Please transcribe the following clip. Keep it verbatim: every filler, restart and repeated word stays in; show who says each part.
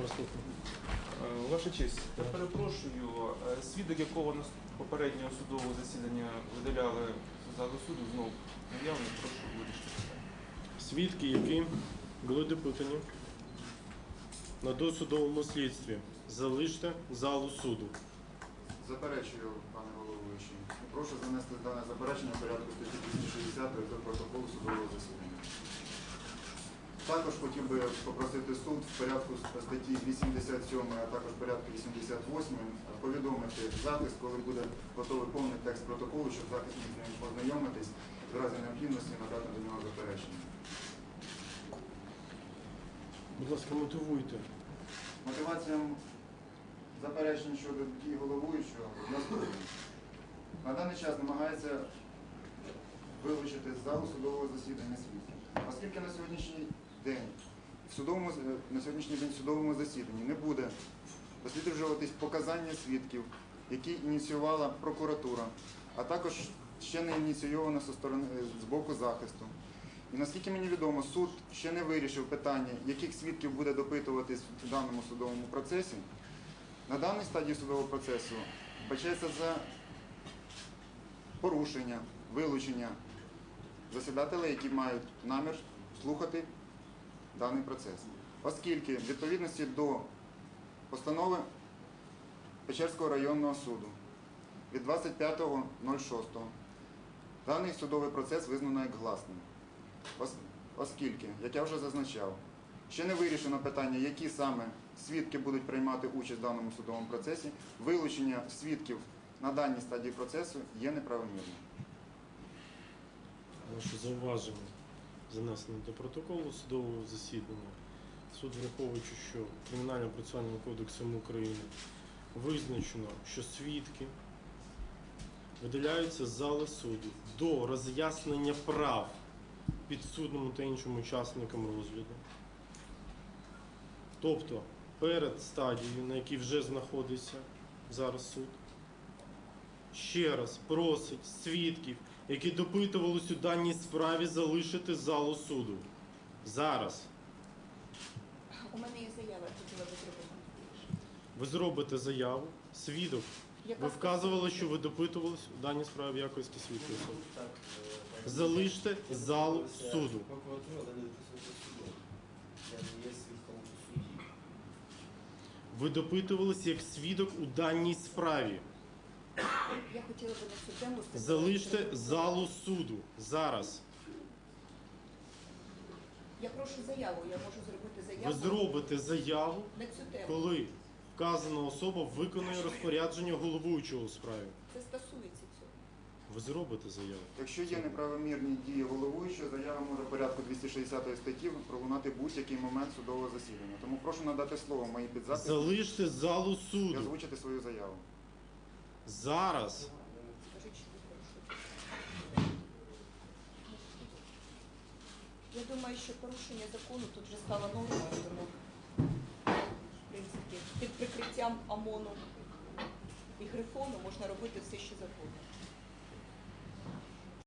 Speaker 1: вас слухаю.
Speaker 2: Е, Ваша честь, я перепрошую, е, свідок, якого на попереднього судового засідання видаляли з залу суду, знов наявний, прошу вирішити питання.
Speaker 1: Свідки, які були допитані на досудовому слідстві, залиште залу суду.
Speaker 3: Заперечую, пане головуючий. Прошу занести дане заперечення в порядку статті двісті шістдесят до протоколу судового засідання. Також хотів би попросити суд в порядку статті вісімдесят сім, а також в порядку вісімдесят вісім повідомити захист, коли буде готовий повний текст протоколу, щоб захист міг з ним познайомитись, в разі необхідності надати до нього заперечення.
Speaker 1: Будь ласка, мотивуйте.
Speaker 3: Мотивація заперечень щодо дій головуючого наступна. На даний час намагається вилучити з залу судового засідання свідків. Оскільки на сьогоднішній день в судовому, на сьогоднішній день в судовому засіданні не буде досліджуватись показання свідків, які ініціювала прокуратура, а також ще не ініційовано зі сторони, з боку захисту. І наскільки мені відомо, суд ще не вирішив питання, яких свідків буде допитуватись в даному судовому процесі. На даній стадії судового процесу вбачається за порушення, вилучення засідателей, які мають намір слухати даний процес. Оскільки в відповідності до постанови Печерського районного суду від двадцять п'ятого шостого даний судовий процес визнано як гласним. Оскільки, як я вже зазначав, ще не вирішено питання, які саме свідки будуть приймати участь в даному судовому процесі, вилучення свідків на даній стадії процесу є неправомірним.
Speaker 1: Ваше зауваження занесено до протоколу судового засідання. Суд, враховуючи, що Кримінально-процесуальним кодексом України визначено, що свідки видаляються з зали суду до роз'яснення прав підсудному та іншим учасникам розгляду. Тобто перед стадією, на якій вже знаходиться зараз суд, ще раз просить свідків, які допитувались у даній справі, залишити залу суду. Зараз.
Speaker 4: У мене є заява, я хотіла би зробити.
Speaker 1: Ви зробите заяву, свідок.
Speaker 4: Яка
Speaker 1: Ви вказували, що ви допитувались у даній справі в якості свідків особи. Залиште залу суду.
Speaker 5: Прокуратура далі дописується судом. Я не є свідком у суді.
Speaker 1: Ви допитувались як свідок у даній справі.
Speaker 4: Я хотіла би на цю тему сказати.
Speaker 1: Залиште залу суду. Зараз.
Speaker 4: Я прошу заяву, я можу зробити заяву.
Speaker 1: Ви зробите заяву,
Speaker 4: на цю тему.
Speaker 1: коли вказана особа виконує розпорядження головуючого у справі.
Speaker 4: Це стосується цього.
Speaker 1: Ви зробите заяву.
Speaker 3: Якщо є неправомірні дії головуючого, заява може в порядку двісті шістдесят статті пролунати будь-який момент судового засідання. Тому прошу надати слово моїй підзаписі
Speaker 1: Залиште залу
Speaker 3: і
Speaker 1: суду.
Speaker 3: озвучити свою заяву.
Speaker 1: Зараз.
Speaker 4: Скажіть, що ви порушуєте. Я думаю, що порушення закону тут вже стало нормою, тому, в принципі, під прикриттям ОМОНу і Грифону можна робити все, що завгодно.